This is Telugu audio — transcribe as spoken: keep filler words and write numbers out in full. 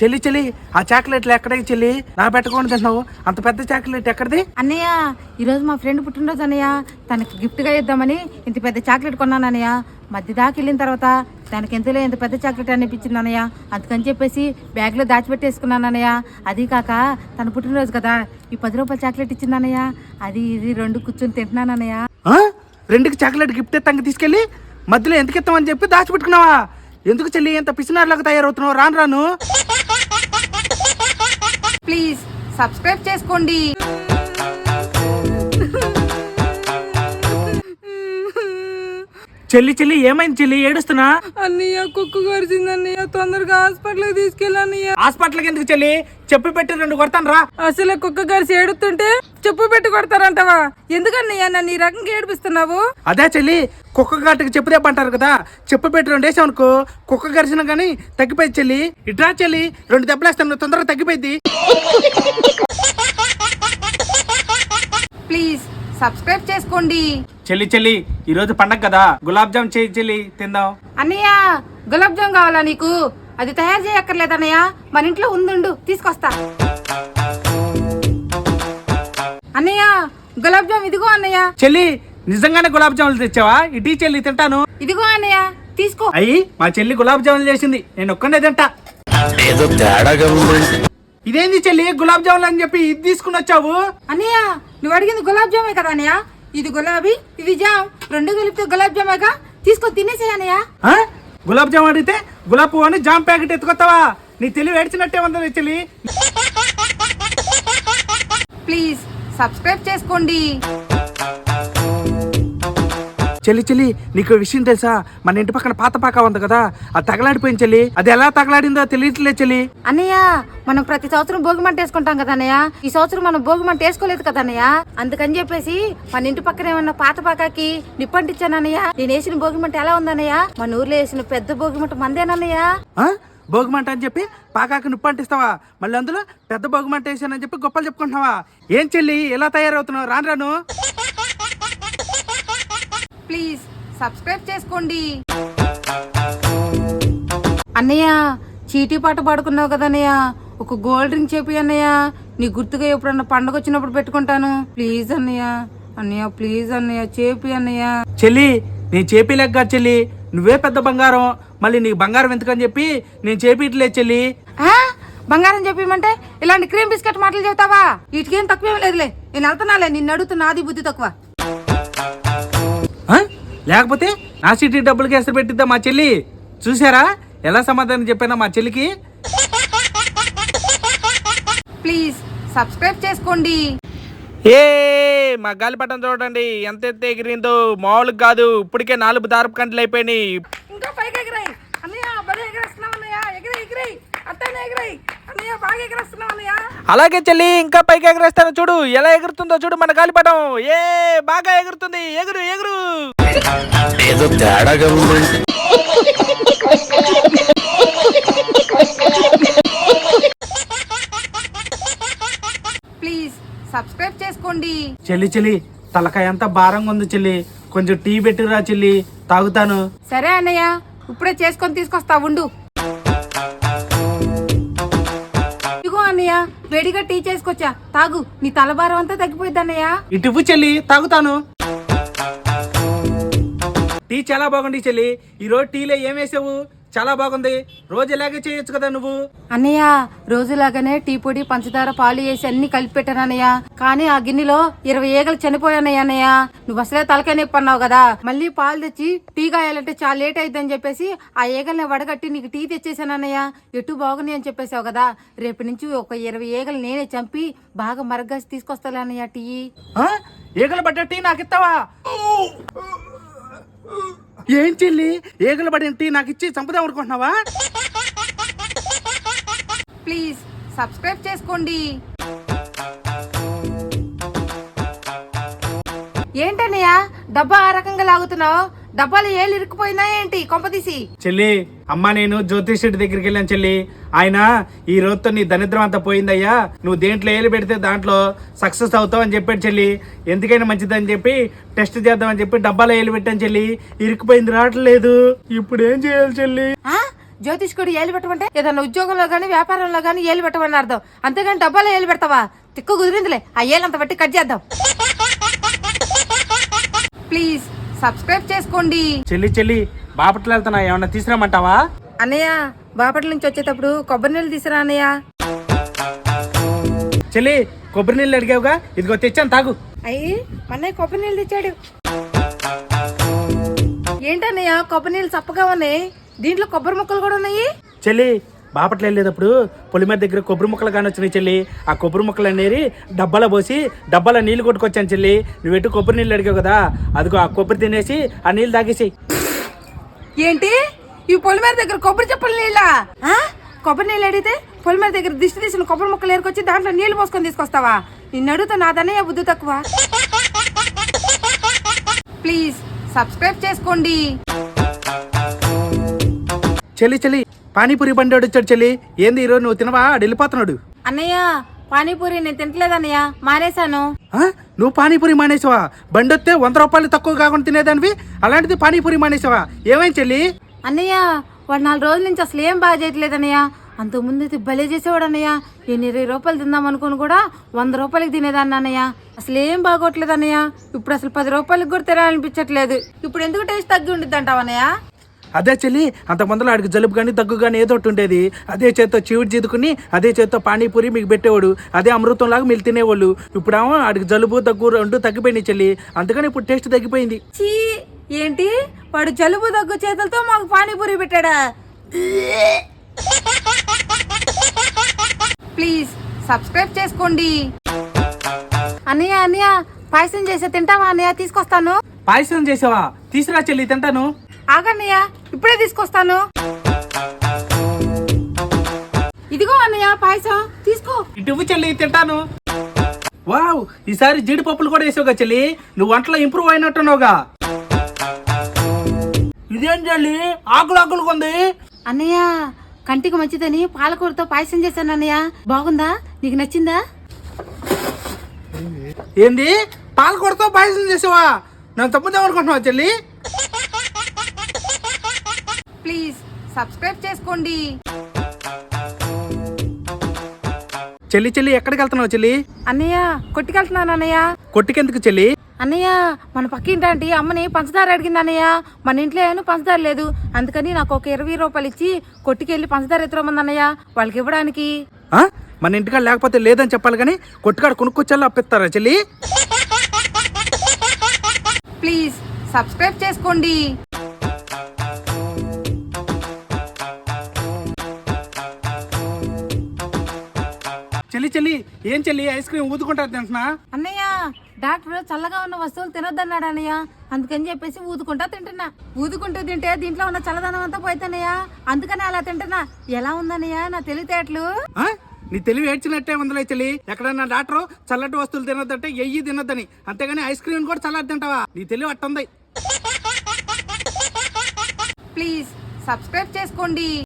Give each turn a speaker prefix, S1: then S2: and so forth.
S1: చెల్లి చెల్లి ఆ చాక్లెట్లు ఎక్కడికి చెల్లి నా పెట్టకుండా తిన్నావు అంత పెద్ద చాక్లెట్ ఎక్కడిది?
S2: అన్నయ్య ఈరోజు మా ఫ్రెండ్ పుట్టినరోజు అన్నయ్య, తనకి గిఫ్ట్గా ఇద్దామని ఇంత పెద్ద చాక్లెట్ కొన్నాను అన్నయ్య. మధ్య దాకా వెళ్ళిన తర్వాత దానికి ఎంతలో ఎంత పెద్ద చాక్లెట్ అనిపించింది అన్నయ్య. అందుకని చెప్పేసి బ్యాగ్లో దాచిపెట్టేసుకున్నాను అన్నయ్య. అది కాక తన పుట్టినరోజు కదా, ఈ పది రూపాయల చాక్లెట్ ఇచ్చింది అన్నయ్య. అది ఇది రెండు కూర్చొని తింటున్నాను అన్నయ్య.
S1: రెండుకి చాక్లెట్ గిఫ్ట్ ఎత్తాక తీసుకెళ్ళి మధ్యలో ఎందుకు ఇస్తామని చెప్పి దాచిపెట్టుకున్నావా? ఎందుకు చెల్లి ఎంత పిసినారులాగా తయారవుతున్నావు? రాను రాను
S2: ప్లీజ్ సబ్స్క్రైబ్ చేసుకోండి.
S1: చెల్లి చెల్లి ఏమైంది చెల్లి ఏడుస్తున్నా?
S2: అన్నయ్య కుక్క కరిచింది అన్నయ్య, తొందరగా హాస్పిటల్కి తీసుకెళ్ళన్నయ్య.
S1: హాస్పిటల్కి ఎందుకు చెల్లి? చెప్పు పెట్టి రెండు కొడతాను రా.
S2: అసలు కుక్క కరిచి ఏడుతుంటే చెప్పు పెట్టి కొడతారంటవా? ఎందుకన్నయ్య నన్ను ఈ రకంగా ఏడిపిస్తున్నావు?
S1: అదే చెల్లి, కుక్క గాటికి చెప్పు దెబ్బ అంటారు కదా, చెప్పు పెట్టి రెండు వేసావు అనుకో కుక్క కరిచినా కానీ తగ్గిపోయింది చెల్లి. ఇట్రా చెల్లి, రెండు దెబ్బలేస్తాను తొందరగా తగ్గిపోయింది.
S2: ప్లీజ్ సబ్స్క్రైబ్ చేసుకోండి.
S1: చెల్లి చెల్లి ఈ రోజు పండగ కదా, గులాబ్ జామ్ చేయి చెల్లి తిందాం.
S2: అన్నయ్య గులాబ్ జామ్ కావాలా నీకు? అది తయారు చేయక్కర్లేదు అన్నయ్య, మన ఇంట్లో ఉందుండు తీసుకొస్తా. అన్నయ్య గులాబ్ జామ్ ఇదిగో అన్నయ్య.
S1: చెల్లి నిజంగానే గులాబ్ జాములు తెచ్చావా? ఇటీ చెల్లి తింటాను.
S2: ఇదిగో అన్నయ్య తీసుకో.
S1: అయ్యి మా చెల్లి గులాబ్ జాములు చేసింది, నేను ఒక్కనే తింటా.
S3: ఏదో తేడాగా ఉంది.
S1: ఇదేంది చెల్లి గులాబ్ జాములు అని చెప్పి ఇది తీసుకుని వచ్చావు?
S2: అన్నయ్య నువ్వు అడిగింది గులాబ్ జామే కదా అన్నయ్య, ఇది గులాబీ ఇది జామ్, రెండు కలిపితే గులాబ్ జామేగా, తీసుకో తినేసేయ్ అన్నయ్య.
S1: గులాబ్ జామ్ అడిగితే గులాబ్ పువ్వు అని జామ్ ప్యాకెట్ ఎత్తుకొస్తావా? నీ తెలివి ఏడ్చినట్టే ఉందా చెల్లి.
S2: ప్లీజ్ సబ్స్క్రైబ్ చేసుకోండి.
S1: చెల్లి చెల్లి నీకు విషయం తెలుసా? మన ఇంటి పక్కన పాత పాక ఉంది కదా, అది తగలాడిపోయింది చెల్లి. అది ఎలా తగలాడిందో తెలియట్లేదు చెల్లి.
S2: అన్నయ్య మనం ప్రతి సంవత్సరం భోగి మంట వేసుకుంటాం కదా అన్నయ్య, ఈ సంవత్సరం మనం భోగి మంట వేసుకోలేదు కదా అన్నయ్య. అందుకని చెప్పేసి మన ఇంటి పక్కన ఏమన్నా పాత పాకాకి నిప్పంటిచ్చాను అన్నయ్య. నేను వేసిన భోగి మంట ఎలా ఉందన్నయ్య? మన ఊర్లో వేసిన పెద్ద భోగి మంట మందేనన్నయ్య.
S1: భోగి మంట అని చెప్పి పాకాకు నిప్పు అంటిస్తావా? మళ్ళీ అందులో పెద్ద భోగి మంట వేసానని చెప్పి గొప్పలు చెప్పుకుంటున్నావా? ఏం చెల్లి ఎలా తయారవుతున్నావు? రాను రాను
S2: ప్లీజ్ సబ్స్క్రైబ్ చేసుకోండి. అన్నయ్య చీటీ పాట పాడుకున్నావు కదా అన్నయ్య, ఒక గోల్డ్ రింగ్ చెప్పి అన్నయ్య, నీ గుర్తుగా ఎప్పుడన్నా పండుగ వచ్చినప్పుడు పెట్టుకుంటాను. ప్లీజ్ అన్నయ్య, అన్నయ్య ప్లీజ్ అన్నయ్య చేపి అన్నయ్య.
S1: చెల్లి నేను చేపిలేక చెల్లి, నువ్వే పెద్ద బంగారం, మళ్ళీ నీకు బంగారం ఎందుకని చెప్పి నేను చేపిట్లేదు చెల్లి.
S2: బంగారం చెప్పమంటే ఇలాంటి క్రీమ్ బిస్కెట్ మాటలు చెప్తావా? వీటికేం తక్కువేం లేదులే, నేను వెళ్తున్నాలే, నిన్ను అడుగుతున్నా నాది బుద్ధి తక్కువ.
S1: లేకపోతే నా సిటీ డబ్బులకి ఎసరు పెట్టిద్దా మా చెల్లి? చూసారా ఎలా సమాధానం చెప్పానా మా చెల్లికి?
S2: ప్లీజ్ సబ్స్క్రైబ్ చేసుకోండి.
S1: ఏ మా గాలిపటం చూడండి ఎంత ఎత్తే ఎగిరిందో, మామూలుగా కాదు. ఇప్పటికే నాలుగు దారపు కంటలు అయిపోయినాయి.
S2: ఇంకా పైకి ఎగిరాయి అన్నయ్య, బలి ఎగిరేస్తున్నావు అన్నయ్య, ఎగిరి ఎగిరి అట్టనే ఎగిరాయి అన్నయ్య, బాగా ఎగిరేస్తున్నావు అన్నయ్య.
S1: అలాగే చెల్లి ఇంకా పైకి ఎగరేస్తాను చూడు, ఎలా ఎగురుతుందో చూడు మన గాలిపటం. ఏ బాగా ఎగురుతుంది, ఎగురు ఎగురు.
S3: ఏదో తేడాగా ఉంది.
S2: ప్లీజ్ సబ్స్క్రైబ్ చేసుకోండి.
S1: చెల్లి చెల్లి తలకాయ అంతా భారంగా ఉంది చెల్లి, కొంచెం టీ పెట్టిరా చెల్లి, తాగుతాను.
S2: సరే అన్నయ్య ఇప్పుడే చేసుకొని తీసుకొస్తా ఉండు. ఇదిగో అన్నయ్య వేడిగా టీ చేసుకొచ్చా, తాగు, నీ తలభారం అంతా తగ్గిపోయింది అన్నయ్య.
S1: ఇటు చెల్లి తాగుతాను. టీ చాలా బాగుంది చెల్లి, ఈ రోజు టీలో ఏం వేసావు? చాలా బాగుంది, రోజు ఇలాగే చేయొచ్చు కదా నువ్వు.
S2: అన్నయ్య రోజులాగానే టీ పొడి పంచదార పాలు వేసి అన్ని కలిపి పెట్టాను అన్నయ్య, కానీ ఆ గిన్నెలో ఇరవై ఈగలు చనిపోయానయ్య అన్నయ్య. నువ్వు అసలే తలకాయ నొప్పి అన్నావు కదా, మళ్ళీ పాలు తెచ్చి టీ కాయాలంటే చాలా లేట్ అయిద్దని చెప్పేసి ఆ ఈగల్ని వడగట్టి నీకు టీ తెచ్చేసాను అన్నయ్య. ఎటు బాగుంది అని చెప్పేసావు కదా, రేపు నుంచి ఒక ఇరవై ఈగలు నేనే చంపి బాగా మరగ్గాసి తీసుకొస్తాను అన్నయ్య టీ.
S1: ఈగలు పడ్డ టీ నాకు ఇస్తావా? ఏం చెల్లి ఈగలు పడిన టీ నాకు ఇచ్చి చంపుదాం అనుకుంటున్నావా?
S2: ప్లీజ్ సబ్స్క్రైబ్ చేసుకోండి. ఏంటన్నయ్య డబ్బా ఆ రకంగా లాగుతున్నావు? డబ్బాలు ఏళ్ళు ఇరుక్కుపోయినా ఏంటి కొంపదీసి?
S1: చెల్లి అమ్మ నేను జ్యోతిష్యుడి దగ్గరికి వెళ్ళాను చెల్లి, ఆయన ఈ రోజుతో నీ దరిద్రం అంతా పోయిందయ్యా, నువ్వు దేంట్లో ఏలు పెడితే దాంట్లో సక్సెస్ అవుతావు అని చెప్పాడు చెల్లి. ఎందుకైనా మంచిదని చెప్పి టెస్ట్ చేద్దామని చెప్పి డబ్బాలో ఏలు పెట్టాను చెల్లి, ఇరుక్కుపోయింది రావట్లేదు, ఇప్పుడు ఏం చేయాలి చెల్లి?
S2: జ్యోతిష్కుడు ఏలు పెట్టమంటే ఏదైనా ఉద్యోగంలో గానీ వ్యాపారంలో గానీ ఏలు పెట్టమని అర్థం, అంతేగాని డబ్బాలో ఏలు పెడతావా? తిక్కు కుదిరిందిలే, ఆ ఏలంత బట్టి కట్ చేద్దాం. ప్లీజ్ సబ్స్క్రైబ్ చేసుకోండి.
S1: చెల్లి చెల్లి బాపట్ల వెళ్తున్నా, ఏమన్నా తీసుకురామంటావా?
S2: అన్నయ్య బాపట్ల నుంచి వచ్చేటప్పుడు కొబ్బరి నీళ్ళు తీసురా అన్నయ్య.
S1: చెల్లి కొబ్బరి నీళ్ళు అడిగావుగా, ఇదిగో తెచ్చాను తాగు.
S2: అయ్యి అన్నయ్య కొబ్బరి నీళ్ళు తెచ్చాడు. ఏంటన్నయ్య కొబ్బరి నీళ్ళు చప్పగా ఉన్నాయి, దీంట్లో కొబ్బరి ముక్కలు కూడా ఉన్నాయి.
S1: చెల్లి బాపట్ల వెళ్ళేటప్పుడు పొలిమేర దగ్గర కొబ్బరి ముక్కలు కానీ వచ్చినాయి చెల్లి. ఆ కొబ్బరి ముక్కలు అనేది డబ్బాలో పోసి డబ్బాలో నీళ్ళు కొట్టుకొచ్చాను చెల్లి. నువ్వు ఎటు కొబ్బరి నీళ్ళు అడిగావు కదా, అదిగో ఆ కొబ్బరి తినేసి ఆ నీళ్ళు తాగేసి.
S2: ఏంటి ఈ పొలిమేర దగ్గర కొబ్బరి చెప్పలు నీళ్ళ? కొబ్బరి నీళ్ళు అడిగితే పొలిమేర దగ్గర దిష్టి తీసిన కొబ్బరి ముక్కలు ఏరుకొచ్చి దాంట్లో నీళ్లు పోసుకొని తీసుకొస్తావా? నిన్ను అడుగుతా నాదన్నయ్య బుద్ధి తక్కువ. ప్లీజ్ సబ్స్క్రైబ్ చేసుకోండి.
S1: చెల్లి చెల్లి పానీపూరి బండి వచ్చాడు చెల్లి. ఏంది ఈరోజు నువ్వు తినవా? ఆడు వెళ్ళిపోతున్నాడు.
S2: అన్నయ్య పానీపూరి నేను తింటలేదన్నయ్య, మానేశాను.
S1: ఆ? నువ్వు పానీపూరి మానేసావా? బండి వస్తే వంద రూపాయలు తక్కువ కాకుండా తినేదానివి, అలాంటిది పానీపూరి మానేసావా? ఏమైంది చెల్లి?
S2: అన్నయ్య వాడు నాలుగు రోజుల నుంచి అసలు ఏం బాగా చేయట్లేదన్నయ్య. అంతకుముందు అయితే భలే చేసేవాడు అన్నయ్య. నేను ఇరవై రూపాయలు తిందాం అనుకుని కూడా వంద రూపాయలకి తినేదాన్ని అన్నయ్య. అసలు ఏం బాగోట్లేదు అన్నయ్య. ఇప్పుడు అసలు పది రూపాయలకి కూడా తినాలనిపించట్లేదు. ఇప్పుడు ఎందుకు టేస్ట్ తగ్గి ఉండిద్ది అంటావు అన్నయ్య?
S1: అదే చెల్లి, అంత ముందులో ఆడికి జలుబు కానీ దగ్గు కానీ ఏదో ఒకటి ఉండేది. అదే చేత్తో చీవుడు జీదుకుని అదే చేత్తో పానీపూరి మీకు పెట్టేవాడు. అదే అమృతంలాగా మీరు తినేవాళ్ళు. ఇప్పుడేమో ఆడికి జలుబు దగ్గు రెండు తగ్గిపోయినాయి చెల్లి, అందుకని ఇప్పుడు టేస్ట్ తగ్గిపోయింది.
S2: చీ ఏంటి వాడు జలుబు దగ్గు చేతులతో మాకు పానీపూరి పెట్టాడా? ప్లీజ్ సబ్స్క్రైబ్ చేసుకోండి. అన్నయ్య అన్నయ్య పాయసం చేసే తింటావా అన్నయ్య? తీసుకొస్తాను.
S1: పాయసం చేసావా? తీసురా చెల్లి తింటాను.
S2: ఆగన్నయ్య ఇప్పుడే తీసుకొస్తాను. ఇదిగో అన్నయ్య పాయసం తీసుకో.
S1: ఇటు చెల్లి తింటాను. వావ్, ఈసారి జీడిపప్పులు కూడా వేసావుగా చెల్లి. నువ్వు వంటలో ఇంప్రూవ్ అయినట్టున్నావుగా. ఇదేం చెల్లి ఆకులు ఆకులు కొంది?
S2: అన్నయ్య కంటికి మంచిదని పాలకూరతో పాయసం చేశాను అన్నయ్య. బాగుందా? నీకు నచ్చిందా?
S1: ఏంది పాలకూరతో పాయసం చేసావా? నన్ను తప్పుదేమనుకుంటున్నావా చెల్లి?
S2: ప్లీజ్ సబ్స్క్రైబ్ చేసుకోండి.
S1: చెల్లి చెల్లి ఎక్కడికి వెళ్తున్నావు చెల్లి?
S2: అన్నయ్య కొట్టుకెళ్తున్నాను అన్నయ్య.
S1: కొట్టుకెందుకు చెల్లి?
S2: అన్నయ్య మన పక్కింటి అమ్మని పంచదార అడిగింది అన్నయ్య. మన ఇంట్లో ఏమో పంచదార లేదు, అందుకని నాకు ఒక ఇరవై రూపాయలు ఇచ్చి కొట్టుకెళ్ళి పంచదార ఎత్తురమంది అన్నయ్య వాళ్ళకి ఇవ్వడానికి.
S1: ఆ? మన ఇంటికాడ లేకపోతే లేదని చెప్పాలి కానీ కొట్టుకాడ కొనుక్కొచ్చేలా అప్పిస్తారా చెల్లి?
S2: ప్లీజ్ సబ్స్క్రైబ్ చేసుకోండి.
S1: చెల్లి చెల్లి ఏం చెల్లి ఐస్ క్రీమ్ ఊదుకుంటారు తింటున్నా?
S2: అన్నయ్య డాక్టర్ చల్లగా ఉన్న వస్తువులు తినొద్దన్నాడు అన్నయ్య, అందుకని చెప్పేసి ఊదుకుంటా తింటున్నా. ఊదుకుంటూ తింటే దీంట్లో ఉన్న చల్లదనం అంతా పోయితేనయ్య, అందుకని అలా తింటున్నా. ఎలా ఉందన్నయ్య నా తెలివితేటలు?
S1: ఆ? నీ తెలివి ఏడ్చినట్టే ఉందిలే చెల్లి. ఎక్కడన్నా డాక్టర్ చల్లటి వస్తువులు తినొద్దంటే ఎయ్యి తినొద్దని, అంతేగాని ఐస్ క్రీమ్ కూడా చల్లటి తింటావా? నీ తెలివి అట్టుంది.
S2: ప్లీజ్ సబ్స్క్రైబ్ చేసుకోండి.